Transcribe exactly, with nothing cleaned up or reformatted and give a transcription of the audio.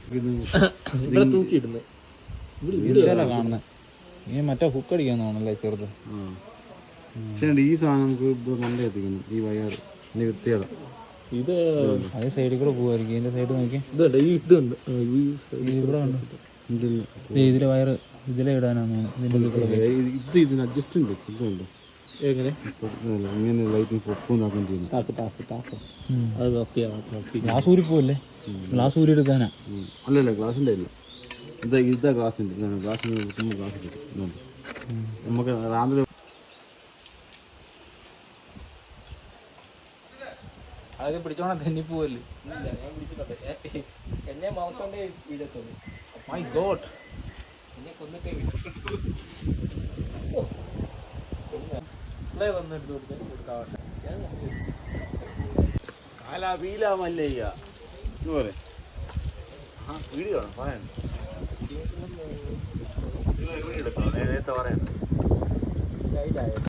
ഇവിടെ തൂക്കിയിടുന്നത് കാണുന്നത് ഈ മറ്റേ ഹുക്ക് അടിക്കാൻ തോന്നല്ലേ ചെറുത്. പക്ഷേ ഈ സാധനം നമുക്ക് നല്ല എത്തിക്കുന്നു ഈ വയർ വൃത്തിയത. ഇത് അതേ സൈഡിൽ കൂടെ പോകുമായിരിക്കും. ഇതിന്റെ സൈഡ് നോക്കി ഇതുണ്ട് ഈ ഇതുണ്ട് ഇവിടെ ഉണ്ട്. ഇതിലെ വയറ് ഇതിലെ ഇടാനാണ് ഇത് ഇതിന് അഡ്ജസ്റ്റ്മെന്റ് ഇതുണ്ട്. എങ്ങനെ ഇങ്ങനെ ലൈറ്റിന് പൊക്കും ചെയ്യുന്നു. താക്ക് താക്ക് താക്ക് അത് നോക്കി ഗ്ലാസ് ഊരി പോവല്ലേ? ഗ്ലാസ് ഊരി എടുക്കാനാ? അല്ലല്ല ഗ്ലാസിന്റെ ഇല്ല, ഇതാ ഇതാ ഗ്ലാസിന്റെ ഇതാണ്. ഗ്ലാസിന് കിട്ടുമ്പോൾ ഗ്ലാസ് കിട്ടും. നമുക്ക് രാവിലെ അതൊക്കെ പിടിച്ചോണം തെന്നി പോവല്ലേ? എന്നെ മാംസോണ്ടേ വീഴത്തുള്ളൂ. മൈ ഗോഡ്, എന്നെ കൊന്നിട്ടേ വന്നെടുത്ത് കൊടുക്കാൻ കാലാ വീലാമല്ലയ്യ പോലെ വീഡിയോ ആണ് പറയാൻ നേരത്തെ പറയാൻ.